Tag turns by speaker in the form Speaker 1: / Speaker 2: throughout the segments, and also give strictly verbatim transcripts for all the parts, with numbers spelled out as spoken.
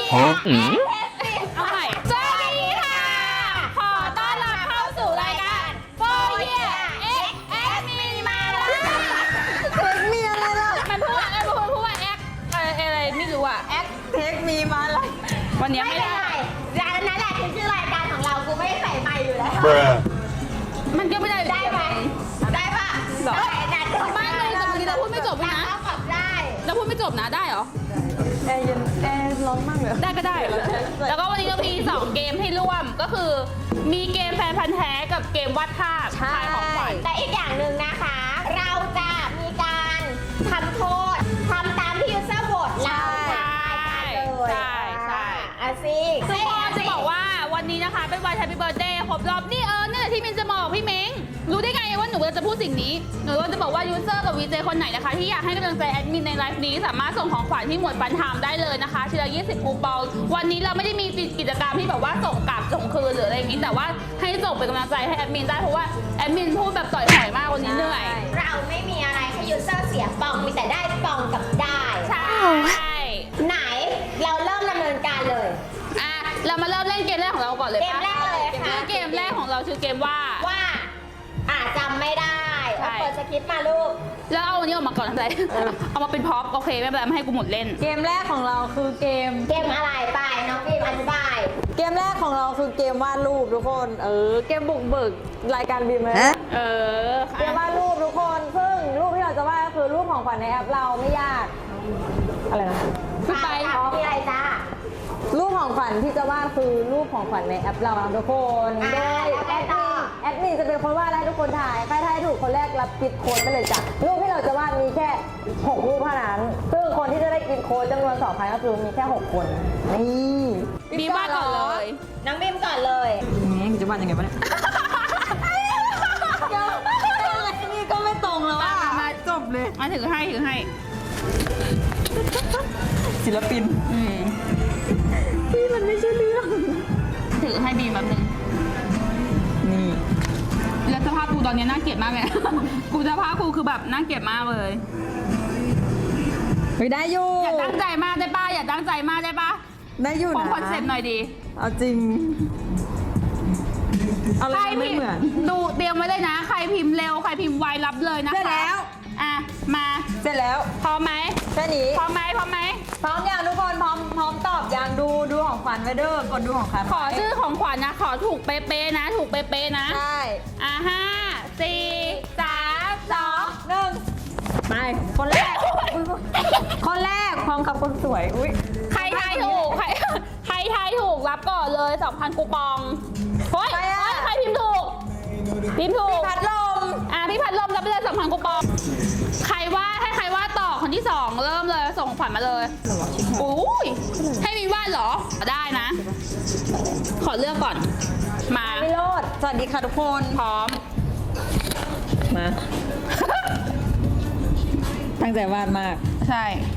Speaker 1: ฮะ
Speaker 2: เอาใหม่สวัสดีค่ะ ขอต้อนรับเข้าสู่รายการโฟเยียเอ็กแอดมินมาแล้ว
Speaker 3: เทคมีอะไรล่ะ
Speaker 2: มันพูดอะไรพูดพูดว่าแอคอะไรอะไรไม่รู้อ่ะแอค
Speaker 3: เทคมีมาอะไร
Speaker 2: วันนี้
Speaker 4: ไม่
Speaker 2: ไม่
Speaker 4: เป็น
Speaker 2: ได้
Speaker 4: ไรร้านนั้นแหละคือชื่อรายการของเรา กูไม่ได้ใส่ไมค์อยู่แล้ว
Speaker 1: Bruh
Speaker 2: มันก็ไม่ได้
Speaker 4: ได้ไหมได้ปะ
Speaker 2: หรอ
Speaker 4: ได้ได้
Speaker 2: ไม่เลยแต่บางทีเราพูดไม่จบเลยนะ
Speaker 4: เข้ากับได้
Speaker 2: เราพูดไม่จบนะได้เหรอ
Speaker 3: แอร์เย็นแอร์ร้อนมากเลย
Speaker 2: ได้ก็ได้ แล้วก็วันนี้เรามีสองเกมให้ร่วมก็คือมีเกมแฟนพันธ์แท้กับเกมวาดภาพทายของขวัญ
Speaker 4: แต่อีกอย่างหนึ่งนะคะ เราจะมีการทำโทษทำตามที่ยูเซอร์โหวตเรา
Speaker 2: ใช่
Speaker 4: เลย
Speaker 2: ใช่ใช่
Speaker 4: อ่ะสิ
Speaker 2: ทุกคนจะบอกว่าวันนี้นะคะเป็นวัน Happy Birthday ครบรอบนี่เออนั่นแหละที่มินจะบอกพี่เม้งรู้ได้ไงว่าหนูจะพูดสิ่งนี้หนูจะบอกว่ายูเซอร์กับวีเจคนไหนนะคะที่อยากให้กำลังใจแอดมินในไลฟ์นี้สามารถส่งของขวัญที่หมวดฟันไทม์ได้เลยนะคะทีละยี่สิบคูปองวันนี้เราไม่ได้มีกิจกรรมที่แบบว่าส่งกลับส่งคืนหรืออะไรอย่างนี้แต่ว่าให้ส่งเป็นกำลังใจให้แอดมินได้เพราะว่าแอดมินพูดแบบต่อยหอยมากวันนี้เหนื่อย
Speaker 4: เราไม่มีอะไรให้ยูเซอร์เสียปองมีแต่ได้ปองกับได้
Speaker 2: ใช่
Speaker 4: ไหนเราเริ่มดำเนินการเลย
Speaker 2: อ่ะเรามาเริ่มเล่นเกมแรกของเราก่อนเลย
Speaker 4: เกม
Speaker 2: ปะ
Speaker 4: แรกเลยค่ะ
Speaker 2: คือเกมแรกของเราคือเกมว่า
Speaker 4: ว่าอาจจำไม่ได้
Speaker 2: ใช่
Speaker 4: เอาเปิดสคริปต์มาลูก
Speaker 2: แล้วเอาอันนี้ออกมาก่อนทำไร เอามาเป็นพ็อปโอเคไม่เป็นไรไม่ให้กูหมดเล่น
Speaker 3: เกมแรกของเราคือเกม
Speaker 4: เกมอะไรไปน้องพิมอธิบาย
Speaker 3: เกมแรกของเราคือเกมวาดรูปทุกคน เออ เกมบุกเบิกรายการบีมเลย
Speaker 2: เออ
Speaker 3: เกมวาดรูปทุกคน ซึ่งรูปที่เราจะวาดก็คือรูปของขวัญในแอปเราไม่ยาก อะไรนะ
Speaker 2: ขึ้นไป
Speaker 4: ถามมีอะไรจ้า
Speaker 3: รูปของขวัญที่จะวาดคือรูปของขวัญในแอปเราทุกคน
Speaker 4: อ่า
Speaker 3: โดย
Speaker 4: แล้วไง
Speaker 3: แอด
Speaker 4: ต่
Speaker 3: มิ
Speaker 4: อ
Speaker 3: นแอดมินจะเป็นคนวาดให้ทุกคนถ่ายใครถ่ายถูกคนแรกรับกิฟต์โค้ดไปเลยจ้ะรูปที่เราจะวาดมีแค่หกรูปเท่านั้น ซึ่งคนที่จะได้กิฟต์โค้ดจำนวนสองพันก็คือมีแค่หกคนนี่
Speaker 2: บีมว่าก่อนเลย
Speaker 4: น้องพิมก่อนเลย
Speaker 3: นี่จะวาดยังไงวะเนี่ยนี่ก็ไม่ตรงแล้วอ่ะ
Speaker 2: มา
Speaker 3: จบเลย
Speaker 2: มาถือให้ถือให้
Speaker 3: ศิลปิน
Speaker 2: อืม
Speaker 3: พี่มันไม่ใช่เรื่อง
Speaker 2: ถือให้บีมแบบนึง
Speaker 3: นี่
Speaker 2: แล้วสภาพกูตอนนี้น่าเกลียดมากเลย กูสภาพกูคือแบบน่าเกลียดมากเลย
Speaker 3: ไม่ได้อยู่
Speaker 2: อย่าตั้งใจมากได้ป่ะอย่าตั้งใจมากได้ป่ะ
Speaker 3: ได้อยู่
Speaker 2: คง
Speaker 3: นะ
Speaker 2: คอนเซ็ปต์หน่อยดี
Speaker 3: เอาจริงอะไร
Speaker 2: ใคร
Speaker 3: ไม่
Speaker 2: พิม
Speaker 3: เหมือน
Speaker 2: ดูเตรียมไว้เลยนะ ใครพิมพ์เร็วใครพิมพ์ไวรับเลยนะคะ
Speaker 3: เสร็จแล้ว
Speaker 2: อ่ะมา
Speaker 3: เสร็จแล้ว
Speaker 2: พร้อมไหม
Speaker 3: แค่นี้
Speaker 2: พร้อมไหมพร้อมไหม
Speaker 3: พร้อมยังทุกคนพร้อมพร้อมตอบยังดูดูของขวัญไว้เด้อกดดูของขวัญ
Speaker 2: ขอชื่อของขวัญนะ ขอถูกเป๊ะๆนะ ถูกเป๊ะๆนะ
Speaker 3: ใช่
Speaker 2: อ่ะห้าสี่สามสอง
Speaker 3: หนึ่งไปคนแรกคนแรกพร้อมกับคนสวยอุ้ย
Speaker 2: ใครทายถูกใครใครทายถูกรับก่อนเลยสองพันคูปองเฮ้ย
Speaker 3: ใครอะ
Speaker 2: เฮ้ยใครพิมพ์ถูกพิมพ์ถูก
Speaker 3: พัดลม
Speaker 2: อ่ะพี่พัดลมรับไปเลยสองพันคูปองใครว่าให้ใครว่าต่อคนที่สองเริ่มเลยส่งขวัญมาเลยอุ้ยให้มีวาดเหรอได้นะ ขอเลือกก่อนมา
Speaker 3: วิโรดสวัสดีค่ะทุกคน
Speaker 2: พร้อม
Speaker 3: มา ตั้งใจวาดมาก
Speaker 2: ใช่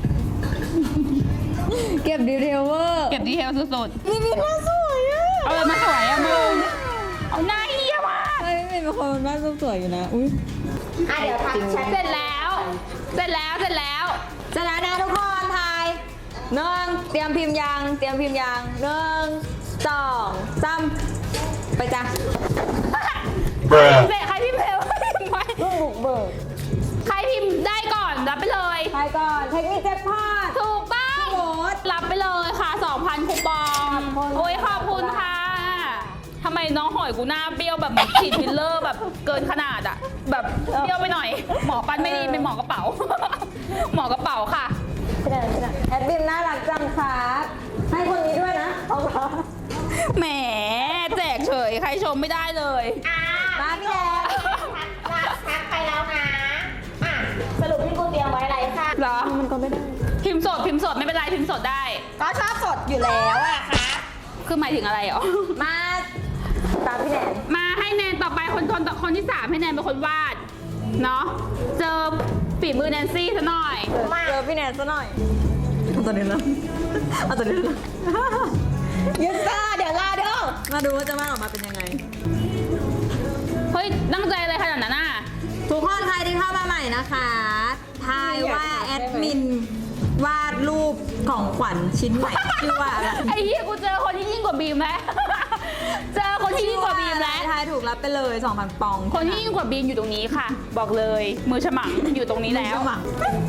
Speaker 3: เก็บดีเทลเวอร์
Speaker 2: เก็บดีเทลสุด
Speaker 3: นี่มีหน้าสวยอ่ะ
Speaker 2: ๆเอาเลยมาสวยอะมึงเอาหน้าเฮียมาก
Speaker 3: เฮ้ยไม่เป็นคนวาดรูปสวยอยู่นะอุ้ย
Speaker 4: อ่ะเดี๋ยวทำชัด
Speaker 2: เสร็จแล้ว เสร็จแล้ว เสร็จแล้ว
Speaker 3: จะแล้วนะทุกคนทายหนึ่งเตรียมพิมพ์ยางเตรียมพิมพ์ยางหนึ่งสองสามไปจ้ะ
Speaker 1: Bruh
Speaker 2: เสร็จใครพิมพ์เร็ว ไว้
Speaker 3: เพิ่งบุกเบิก
Speaker 2: ใครพิมพ์ได้ก่อนรับไปเลย
Speaker 3: ทายก่อนเทคนิคเจ็ดพลาด
Speaker 2: ถูกต้อง
Speaker 3: โหด
Speaker 2: รับไปเลยค่ะ สองพัน คูปอง
Speaker 3: ขอบคุณ
Speaker 2: โอ้ยขอบคุณค่ะทำไมน้องหอยกูหน้าเบี้ยวแบบเหมือนฉีดฟิลเลอร์แบบเกินขนาดอะแบบเบี้ยวไปหน่อย หมอปันไม่ดีเป็นหมอกระเป๋า หมอกระเป๋าค่ะ
Speaker 3: พี่แดนพี่แดนแอดบิมน่ารักจังครับให้คนนี้ด้วยนะเอาละ
Speaker 2: แหมแจกเฉยใครชมไม่ได้เลย
Speaker 4: อ่ะ
Speaker 3: มาพี่แดน
Speaker 4: ทักทักไปแล้วนะอ่ะสรุปที่กูเตรียมไว้อะไรค่ะ
Speaker 2: เหรอ
Speaker 3: มันก็ไม่ได้
Speaker 2: พิมพ์สดพิมพ์สดไม่เป็นไรพิมพ์สดได้
Speaker 4: ก็ชอบสดอยู่แล้วอะค่ะ
Speaker 2: คือหมายถึงอะไรอ๋อ
Speaker 3: มาตามพี่แดน
Speaker 2: มาให้แนนต่อไปคนคนคนที่สามให้แนนเป็นคนวาดเนาะเจอฝีมือแนนซี่ซะหน่อย
Speaker 4: มา
Speaker 3: เจอพี่แดนซะหน่อยเอาตัวนี้นะเอาตัวนี้นะ
Speaker 4: ยูเซอร์เดี๋ยวรอดู
Speaker 3: มาดูว่าจะวาดออกมาเป็นยังไง
Speaker 2: เฮ้ยตั้งใจอะไรขนาดนั้นน่ะ
Speaker 3: ทุกคนใครที่เข้ามาใหม่นะคะทายว่าแอดมินวาดรูปของขวัญชิ้นใหม่ชื่อว่าอะไร
Speaker 2: ไอ้เหี้ยกูเจอคนที่ยิ่งกว่าบีมแล้ว เจอคนที่ยิ่งกว่าบีมแล้ว
Speaker 3: ทายถูกรับไปเลยสองพันปอง
Speaker 2: คนที่ยิ่งกว่าบีมอยู่ตรงนี้ค่ะ บอกเลย มือฉมังอยู่ตรงนี้แล้ว
Speaker 3: สมัคร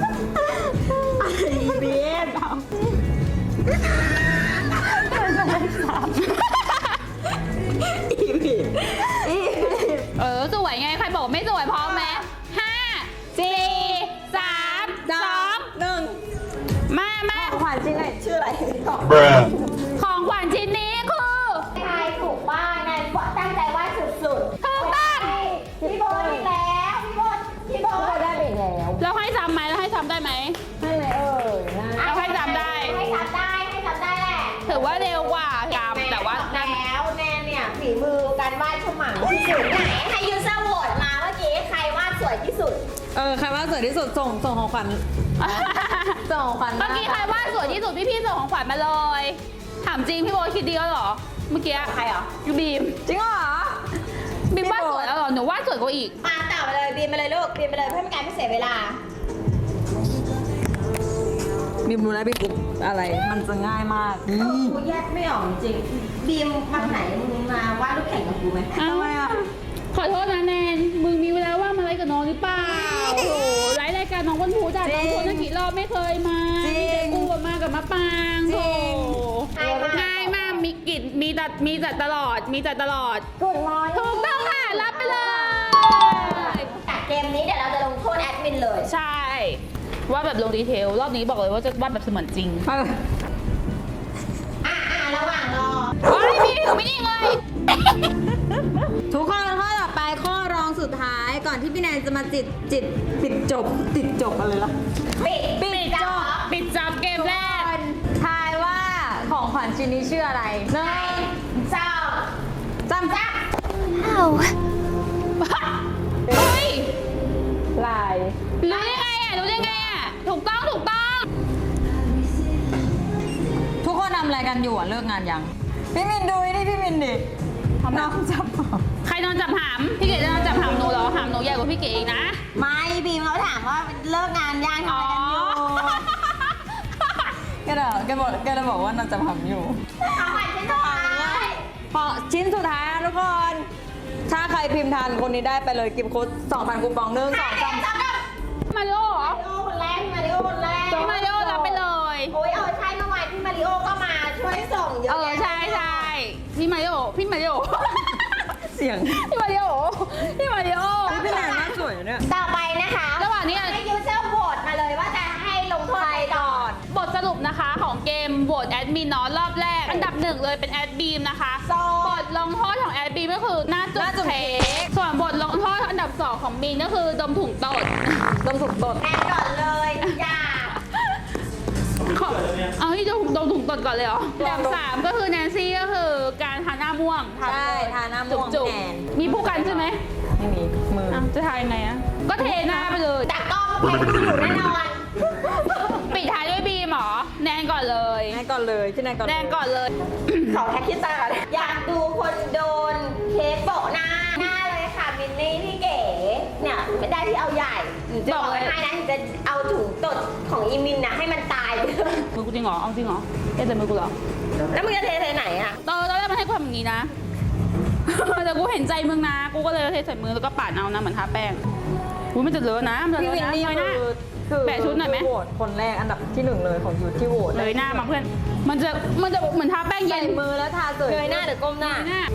Speaker 3: เบียด
Speaker 2: เออสวยไงใครบอกไม่สวยพร้อมไหมห้าสี่สามสอง
Speaker 3: หนึ่ง
Speaker 2: มามา
Speaker 3: ของขวัญชิ้นไหนชื่ออะไร
Speaker 1: Bruh.
Speaker 2: ของขวัญชิ้นนี้คือ
Speaker 4: ทายถูกป้านั่นตั้งใจวาดสุด
Speaker 2: ถูกต้อง
Speaker 4: ๆพี่โบทอีกแล้วพี่โบทพี่โบ
Speaker 3: ก็
Speaker 4: ท
Speaker 3: ได้ไปแล้ว
Speaker 2: เราให้จำไหมเราให้จำได้ไหม
Speaker 3: ให้ไหมเอ่ยนะ
Speaker 2: เอาให้จำได้
Speaker 4: ให้จำได้ให้จำได้แหละ
Speaker 2: ถือว่าเร็วกว่าจำแต่ว่า
Speaker 4: แแล้วแนนเนี่ยฝีมือการวาดฉมังที่สุดไหนให้ยูเซอร์โหวตมาเมื่อกี้ใครวาดสวยที่สุด
Speaker 3: เออใครว่าสวยที่สุดส่งส่งของขวัญส่งของขวัญ
Speaker 2: เมื่อกี้ใครว่าสวยที่สุดพี่ๆส่งของขวัญมาเลย ถามจริงพี่โบคิดดีแล้วเหรอ เมื่อกี้ใครอ่ะยูบีม
Speaker 3: จริงเหรอ
Speaker 2: บีมว่าสวยแล้วเหรอหนูว่าสวยกว่าอีก
Speaker 4: มาต่อไปเลยบีมไปเลยลูกบีมไปเลยเพื่อไม่การไม่เสียเวลา
Speaker 3: บีมรู้แล้วบีมกุ๊บอะไร มันจะง่ายมาก
Speaker 4: กูแยกไม่ออกจริงบีมมาไหนมึงมาวาดรูปแข่งกับกูไหม
Speaker 2: ทำไมอ่ะ ขอโทษนะแนน มึงมีเวลาว่างมาไลฟ์กับน้องหรือเปล่า โอ้โหไลฟ์รายการน้องวันพูจ้ะน้องชวนตั้งกี่รอบไม่เคยมา
Speaker 3: จริง
Speaker 2: มีแต่กูอะมากับมะปาง
Speaker 3: จริง
Speaker 2: โอ้โหง่ายมาก มีกิจมีจัดมีจัดตลอด มีจัดตลอด
Speaker 3: กุดมอร์นิ่ง
Speaker 2: ถูกต้องค่ะ รับไปเลย
Speaker 4: แต่เกมนี้เดี๋ยวเราจะลงโทษแอดมินเลย
Speaker 2: ใช่ ว่าแบบลงดีเทล รอบนี้บอกเลยว่าจะวาดแบบเสมือนจริง
Speaker 3: เออ
Speaker 4: อ่ะอ่ะระหว่างรอ
Speaker 2: โอ้ยพี่หนูไม่นิ่งเลย
Speaker 3: ทุกคนข้อต่อไปข้อรองสุดท้ายก่อนที่พี่แนนจะมาจิตจิตปิดจบติดจบอะไรล่ะ
Speaker 4: ปิด
Speaker 2: ปิดจบปิดจบเกมแรก
Speaker 3: ทายว่าของขวัญชิ้นนี้ชื่ออะไรหนึ่ง
Speaker 4: สอง
Speaker 3: จำจ้า
Speaker 2: เฮ้ย
Speaker 3: ลาย
Speaker 2: รู้ได้ไงอ่ะ รู้ได้ไงอ่ะ ถูกต้อง ถูกต้อง
Speaker 3: ทุกคนทำอะไรกันอยู่อ่ะเลิกงานยัง พี่มินดูนี่พี่มินดิน้องจับหอม
Speaker 2: ใครนอนจับหาม พี่เก๋จะนอนจับหามหนูเหรอ หามหนูใหญ่กว่าพี่เก๋อีกนะ
Speaker 4: ไม่บีมเขาถามว่าเลิกงานยังทำอะไรกันอยู่
Speaker 3: แกเดี๋ยวแกบอกแกจะบอกว่าน้องจับหอมอยู่
Speaker 4: ของขวัญชิ้นสุดท้าย
Speaker 3: พอชิ้นสุดท้ายนะทุกคน ถ้าใครพิมพ์ทันคนนี้ได้ไปเลยกิฟต์โค้ดสองพันคูปองหนึ่งสองสาม
Speaker 4: สามกับ
Speaker 2: มาริโอเหรอ
Speaker 4: มาริโอคนแรกพี่มาริโอคนแรก
Speaker 2: พี่มาริโอรับไปเลย
Speaker 4: โอ้ยเออใช่เมื่อวานพี่มาริโอก็มาช่วยส่งเยอะ
Speaker 2: เออ
Speaker 4: แยะ
Speaker 2: ใช่ใช่พี่มาริโอ พี่มาริโอ
Speaker 3: เสียง
Speaker 2: พี่มาริโอ พี่มาริโอ
Speaker 3: พี่แนนน่าสวยเนี่ย
Speaker 4: ต่อไปนะคะ
Speaker 2: ระหว่างนี้
Speaker 4: ให้ยูเซอร์โหวตมาเลยว่าจะให้ลงโทษใครก่อน
Speaker 2: บทสรุปนะคะของเกมโหวตแอดมินเนาะรอบแรก อันดับหนึ่งเลยเป็นแอดบีมนะคะ
Speaker 4: สอง
Speaker 2: บทลงโทษของแอดบีมก็คือหน้าจุด
Speaker 3: หน้าจุด
Speaker 2: เค้กส่วนบทลงโทษอันดับสองของบีมก็คือดมถุงตด
Speaker 3: ดมสุกตด
Speaker 4: แอนก่อนเลยอย่า
Speaker 2: ขอเอาที่ดมดมถุงตดก่อนเลยเหรออันดับสามก็คือแนนซี่ก็คือการทาหน้าม่วง
Speaker 3: ใช่ทาหน้าม่วง
Speaker 2: จุก
Speaker 3: แทน
Speaker 2: ๆมีผู้กันใช่ไหม
Speaker 3: ไม่มีมือ
Speaker 2: อ่ะจะทายยังไงอะก็เทหน้าไปเลย
Speaker 4: แต่กล้องเพลงอยู่แน่นอน
Speaker 2: ปิดท้ายด้วยบีมเหรอแนนก่อนเลย
Speaker 3: แนนก่อนเลยพี่แนนก่อน
Speaker 2: แนนก่อนเลย
Speaker 4: ขอแท็กคิดตาก่อนอยากดูคนโดนเค้กโปะหน้าหน้าเลยค่ะมินนี่พี่เก๋เนี่ยไม่ได้ที่เอาใหญ่หนูจะบอกไว้ให้นะหนูจะเอาถุงตดของอีมินนะให้มันตายไปเลย
Speaker 2: มือกูจริงเหรอเอาจริงเหรอเอ๊ะแต่มือกูเหรอ
Speaker 4: แล้วมึงจะเทเทไหนอ่ะ
Speaker 2: ตอนตอนแรกมันให้กูทำอย่างนี้นะ แต่กูเห็นใจมึงนะ กูก็เลยเทใส่มือแล้วก็ปาดเอานะเหมือนทาแป้งกูมันจะเลอะนะมันจะ
Speaker 3: พี่
Speaker 2: เล
Speaker 3: วิน
Speaker 2: อะนะ
Speaker 3: นี่
Speaker 2: เลยหน้า
Speaker 3: คือคือ
Speaker 2: แปะชุดหน่อยไหม
Speaker 3: คืโหวตคนแรกอันดับที่หนึ่งเลยของยูที่โหวต
Speaker 2: เลยหน้ามาเพื่อน มันจะมันจะเหมือนทาแป้งเย็
Speaker 3: ใส่
Speaker 2: น
Speaker 3: มือแล้วทาเสย
Speaker 4: เงยหน้าหรือก้มหน้า
Speaker 2: หน้า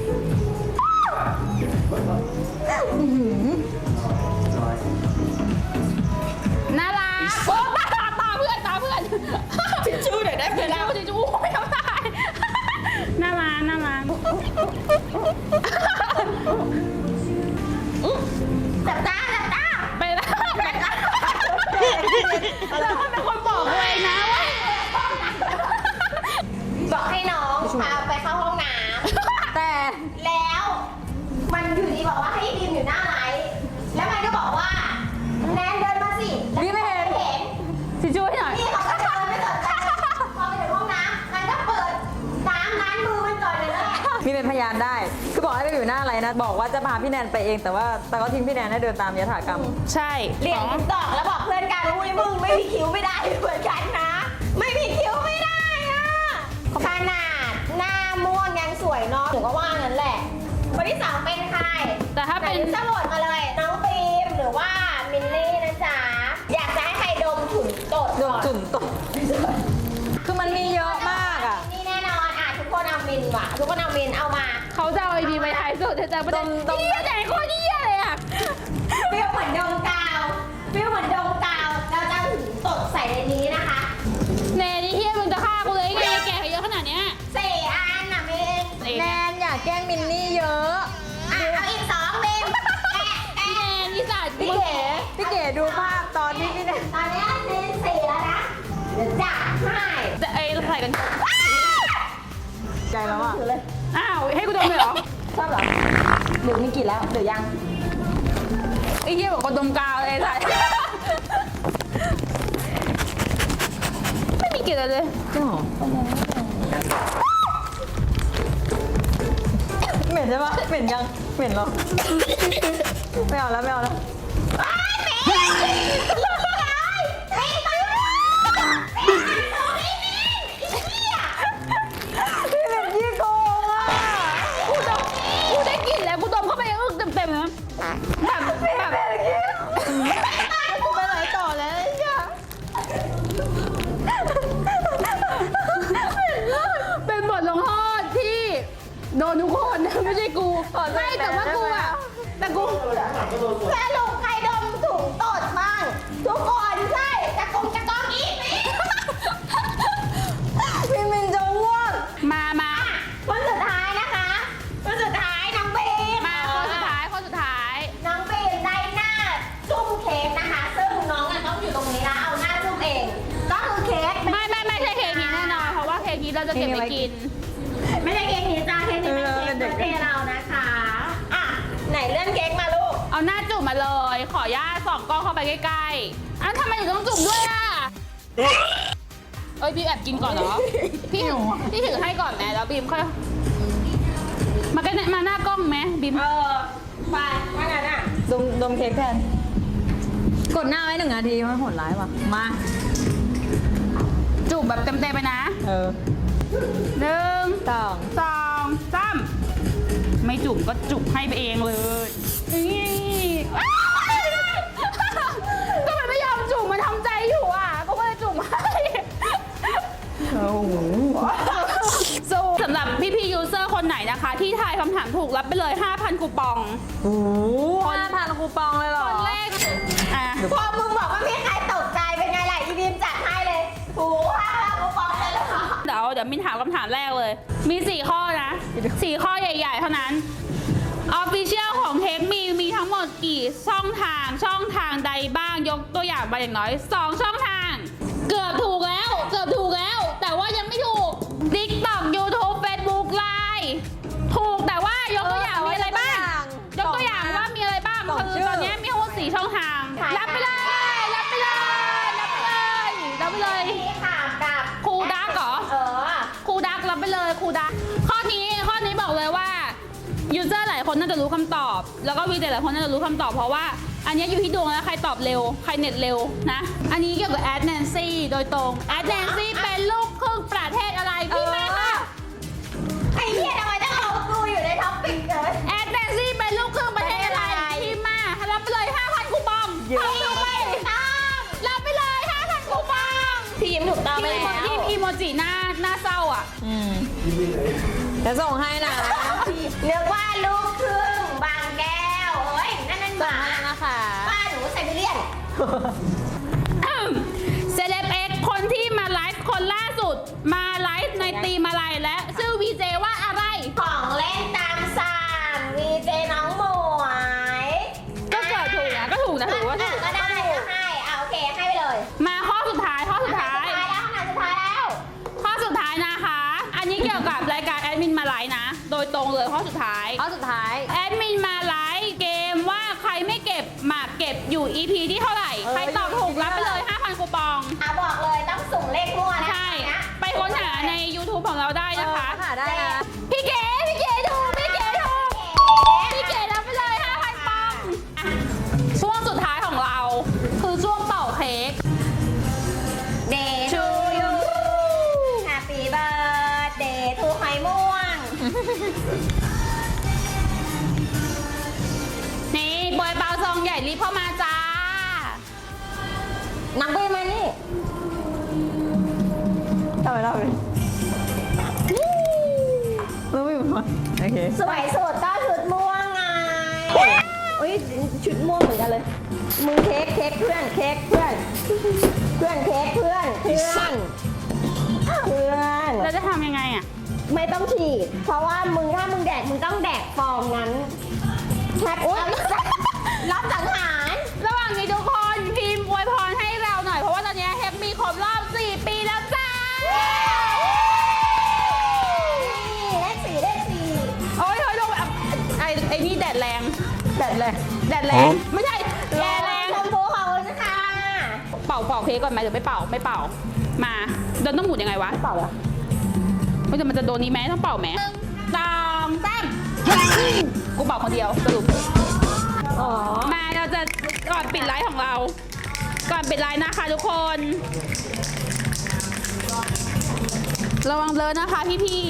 Speaker 2: น่ารักโอ้ตาตาตาเพื่อนตาเพื่อน
Speaker 4: ทิชชู่เดี๋ยวได้ไปแล้ว
Speaker 2: ทิชชู่ไม่เอาได้น่ารักน่ารัก
Speaker 4: จับตาจับตา
Speaker 2: ไปแล้วแล้วมันเป็นคนบอกเลยนะว่า
Speaker 4: บอกให้น้องพาไปเข้าห้องน้
Speaker 3: แต่
Speaker 4: ำแล้วมันอยู่ดีบอกว่าให้บีมอยู่หน้าไลฟ์แล้วมันก็บอกว่าแนนเดินมาสิแล้ว
Speaker 3: พี่ไม่เห็น
Speaker 4: เห็น
Speaker 2: ทิชชู่ให้หน่อย
Speaker 4: พี่เขาก็เดินไม่สนใจพอไปถึงห้องน้ำมันก็เปิดน้ำล้างมือมันก่อนเลยแหละ
Speaker 3: มีเป็นพยานได้ คือบอกให้ไปอยู่หน้าอะไรนะ บอกว่าจะพาพี่แนนไปเอง แต่ว่าแต่ก็ทิ้งพี่แนนให้เดินตามยถากรรม
Speaker 2: ใช่
Speaker 4: เหรียญดอกแล้วบอกเพื่อนกันอุ้ยมึงไม่มีคิ้วไม่ได้เหมือนกันนะเนาะหนูก็ว่างั้นแหละคนที่สองเป็นใคร
Speaker 2: แต่ถ้าเป็น
Speaker 4: สมุดมาเลยน้องบีมหรือว่ามินนี่นะจ๊ะอยากจะให้ใครดมถุงตด
Speaker 3: โด
Speaker 4: ก่
Speaker 3: น
Speaker 4: อน
Speaker 3: จุ่มตกคือมันมีเยอะมากอ่ะ
Speaker 4: นี่แน่นอนอ่ะทุกคนเอามินว่ะทุกคนเอามินเอามา
Speaker 2: เขาจะเอาไอดีไปท้ายสุดจะประเด็น
Speaker 3: ตรงๆ
Speaker 2: เหี้ยไหนโคตรเหี้ยเลยอ่ะ
Speaker 4: เปรี้ยวเหมือนดมกาวเปรี้ยวเหมือนดมกาวเราจะเอาถุงตดใส่ในนี้นะคะ
Speaker 2: แน่นี่เฮียมึงจะฆ่ากูเลยไงแกเขาเยอะขนาดเนี้ย
Speaker 4: สี่อันน่ะมิน
Speaker 3: แนนอย่าแกล้งมินนี่เยอะ
Speaker 4: อ่ะเอาอีกสองมินแอะ
Speaker 2: แน
Speaker 4: แอะ
Speaker 2: นอีสัตว์
Speaker 3: พี่
Speaker 2: มึง
Speaker 3: เก๋พี่เก๋ดูภาพตอนที่พี่แนน
Speaker 4: ตอนนี้มินสี่แล้วนะเดี๋ยวจัดให้
Speaker 2: จะไอ้ใส่กัน
Speaker 3: ใจแล้วอ่ะ
Speaker 4: ถือเลย
Speaker 2: อ้าวให้กูดมเลยเหรอ
Speaker 3: ชอบเหรอหรือมีกลิ่นแล้วหรือยัง
Speaker 2: ไอ้เหี้ยบอกกูดมกาวเลยสัตว์ไม่มีกลิ่นอะไรเลย
Speaker 3: จริงเหรอเหม็นใช่ปะเหม็นยังเหม็นเหรอไม่เอาแล้วไม่เอาแล้วพี่เหม็นยี่โกงอ่ะ
Speaker 2: กูดมกูได้กลิ่นแล้วกูดมเข้าไปอึ้งเต็มๆนะแบบแบบ
Speaker 3: กูไปไหนต่อแล้วเนี่ย
Speaker 2: เป็นบทลงโทษที่โดนทุกคนไม่ใช่กูไม่แต่ว่ากูอะแต่กู
Speaker 4: สรุปใครดมถุงตดบ้างทุกคนใช่จะกงจะกองอีกมิน
Speaker 3: พี่มินจะอ้วก
Speaker 2: มามา
Speaker 4: คนสุดท้ายนะคะคนสุดท้ายน้องบีม
Speaker 2: มาคนสุดท้ายคนสุดท้าย
Speaker 4: น้องบีมได้หน้าจุ่มเค้กนะคะ ซึ่งน้องอะต้องอยู่ตรงนี้แล้วเอาหน้าจุ่มเอง ก็คือเค้ก
Speaker 2: ไม่ไม่ไม่ใช่เค้กนี้แน่นอนเพราะว่าเค้กนี้เราจะเก็บไว้กิน
Speaker 4: ไม่ใช่เค้กนี้จ้าเค้กนี้เป็นเค้กเบอร์เดย์เรานะคะอ่ะไหนเลื่อนเค้กมาลูก
Speaker 2: เอาหน้าจุ่มมาเลย ขอย่าส่องกล้องเข้าไปใกล้ๆอ้าวทำไมถึงต้องจุ่มด้วยอ่ะเอ้ยบีมแอบกินก่อนเหรอพี่ถือพี่ถือให้ก่อนแม่แล้วบีมค่อยมาใกล้มาหน้ากล้องไหมบีม
Speaker 4: เออไปว่างั้นอ่ะ
Speaker 3: ดมดมเค้กแทน กดหน้าไว้หนึ่งนาทีมันโหดร้ายว่ะ มา
Speaker 2: จุ่มแบบเต็มๆไปนะ
Speaker 3: เออ
Speaker 2: หนึ่ง
Speaker 3: สอง
Speaker 2: สองสามไม่จุ่มก็จุ่มให้ไปเองเลยนี่ก็มันไม่ยอมจุ่มมันทำใจอยู่อ่ะก็เลยจุ่มให้
Speaker 3: โอ้โห
Speaker 2: สู้สำหรับพี่พี่ยูเซอร์คนไหนนะคะ ที่ทายคำถามถูกรับไปเลย ห้าพัน คูปอง
Speaker 3: โอ้โหห้าพันคูปองเลยเหรอ
Speaker 2: คนแรกอ่ะ
Speaker 4: พอมึงบอกว่าไม่มีใครตกใจเป็นไงล่ะอีบีมจัดให้เลยโอ้โหห้าคูปองเลยเหรอ
Speaker 2: เดี๋ยวเดี๋ยวมินถามคำถามแรกเลย มีสี่ข้อนะสี่ข้อใหญ่ๆเท่านั้นออฟฟิเชียลของเทคมีมีทั้งหมดกี่ช่องทางช่องทางใดบ้างยกตัวอย่างมาอย่างน้อยสองช่องทาง เกือบถูกแล้วเกือบถูกแล้ว แต่ว่ายังไม่ถูก TikTok YouTube Facebook Line ถูกแต่ว่ายกตัวอย่างมีอะไรบ้าง ยกตัวอย่างว่ามีอะไรบ้างคือตอนนี้มีทั้งหมดสี่ช่องทาง รับไปเลย รับไปเลย รับไปเลย รับไปเลย
Speaker 4: นี่ค่ะกับ
Speaker 2: ครูดักเหรอ
Speaker 4: เออ
Speaker 2: ครูดักรับไปเลยครูดักข้อนี้ข้อนี้บอกเลยว่ายูเซอร์หลายคนน่าจะรู้คำตอบ แล้วก็วีเจหลายคนน่าจะรู้คำตอบเพราะว่าอันนี้อยู่ที่ดวงแล้วใครตอบเร็วใครเน็ตเร็วนะอันนี้เกี่ยวกับแอดแนนซี่โดยตรงแอดแนนซี่เป็นลูกครึ่งประเทศอะไรพี่แม่ค่ะ
Speaker 4: ไอ้เหี้ยทำไมต้องเอากูอยู่ในท็อปปิกเลย
Speaker 2: แอดแนนซี่เป็นลูกครึ่งประเทศอะไรพี่มารับไปเลย ห้าพัน คูปอง
Speaker 3: เยอะ
Speaker 2: เอาไปรับไปเลย ห้าพัน คูปอง
Speaker 4: พี่ยิ้มถูกต้องไป
Speaker 2: ทีม
Speaker 4: แล้ว
Speaker 2: ทีมอีโมจิหน้าหน้าเศร้าอ่ะ
Speaker 3: อืมจะส่งให้นะ
Speaker 4: เรียกว่าลูกครึ่งบางแก้วโอ้ยนั่นนั่นห
Speaker 3: ส่ง
Speaker 4: มา
Speaker 3: ให้นะคะ
Speaker 4: บ้านหนูไซบีเรียน
Speaker 2: เซเลบเอ็กคนที่มาไลฟ์คนล่าสุด มาไลฟ์ในตีมอะไรและชื่อวีเจว่าอะไร
Speaker 4: ของเล่นตามสั่งมีเจน้องหมวย
Speaker 2: ก็เกิดถูกนะก็ถูกนะถือว่าถูก
Speaker 4: ก็ได้ก็ให้อ่ะโอเคให้ไปเลย
Speaker 2: มาข้อสุดท้ายข้อสุดท้าย
Speaker 4: สุดท้ายแล้วขนาดสุดท้ายแล้ว
Speaker 2: ข้อสุดท้ายนะคะ อันนี้เกี่ยวกับรายการแอดมินมาไลฟ์นะ โดยตรงเลยข้อสุดท้าย
Speaker 3: ข้อสุดท้าย
Speaker 2: แอดมินมาไลฟ์เกมว่าใครไม่เก็บหมากเก็บอยู่ อี พี ที่เท่าไหร่
Speaker 3: เออ
Speaker 2: ใครตอบถูกรับไปเลย ห้าพัน คูปอง
Speaker 4: อ่ะบอกเลยต้องสุ่มเลขมั่วนะ
Speaker 2: ใช่
Speaker 4: นะ
Speaker 2: ไปค้นหาใน YouTube ของเราได้นะคะ
Speaker 3: เออหาได้นะ
Speaker 2: พี่เก๋พี่เก๋ถูกพี่เก๋ถูก พี่เก๋รับไปเลย ห้าพัน ปองอ่ะช่วงสุดท้ายของเรา คือช่วงเป่าเค้ก
Speaker 4: เดย์ทูยูแฮปปี้เบิร์ดเดย์ทูไข่ม่วงนักเวทมานี่
Speaker 3: ทำไมเราเลยรู้ไม่หมดโอเค
Speaker 4: สวยสุดก็ชุดม่วงไงโอ้ยชุดม่วงเหมือนกันเลย มึงเค้กเค้กเพื่อนเค้กเพื่อน เพื่อนเค้กเพื่อนเพื่อนเพื่อน
Speaker 2: เราจะทำยังไงอ่ะ
Speaker 4: ไม่ต้องฉีด เพราะว่ามึงถ้ามึงแดกมึงต้องแดกฟองนั้นแท็กอุ๊ยรับสังหาร
Speaker 2: ระหว่างนี้ทุกคนพิมพ์อวยพรให้เราหน่อยเพราะว่าตอนนี้แฮปปี้ครบรอบสี่ปีแล้วจ้า
Speaker 4: เลขสี่เลขสี่
Speaker 2: โอ้ยโอ้ยลงแบบไอ้ไอ้นี่แดดแรง
Speaker 3: แดดเลย
Speaker 2: แดดแรง ไม่ใช่แดดแรง
Speaker 4: ชมพูขอบคุณค่ะ
Speaker 2: เป่าเป่าเค้กก่อนไหมเดี๋ยวไม่เป่าไม่เป่ามาโดนต้องหมุนยังไงวะ
Speaker 3: เปล่าเหรอ
Speaker 2: ไม่แต่มันจะโดนนี้ไหมต้องเป่าไหมสองสามกูเป่าคนเดียวสรุป
Speaker 4: อ๋อ
Speaker 2: มาเราจะก่อนปิดไลฟ์ของเรา ก่อนปิดไลฟ์นะคะทุกคน ระวังเลอะนะคะพี่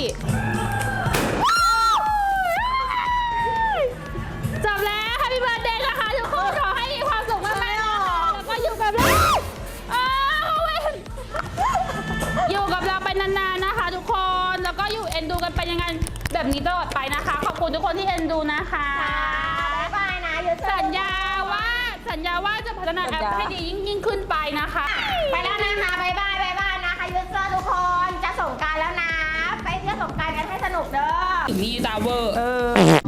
Speaker 2: ๆจบแล้ว Happy Birthday นะคะทุกคนขอให้มีความสุขมากๆนะคะแล้วก็อยู่กับเราอ้าวเว้ยอยู่กับเราไปนานๆนะคะ ทุกคนแล้วก็อยู่เอ็นดูกันไปยังไงแบบนี้ตลอดไปนะคะ ขอบคุณทุกคนที่เอ็นดูนะคะ
Speaker 4: บ๊ายบายนะยูเซอร์
Speaker 2: สัญญาว่าสัญญาว่าจะพัฒนาแอปให้ดียิ่งยิ่งขึ้นไปนะคะ
Speaker 4: ไปแล้วนะคะบ๊ายบายบ๊ายบายนะคะยูเซอร์ทุกคนจะส่งกรารแล้วนะ ไปเที่ยวสงกรารกันให้สนุกเด้อ
Speaker 2: มีตาเวอร์
Speaker 3: เออ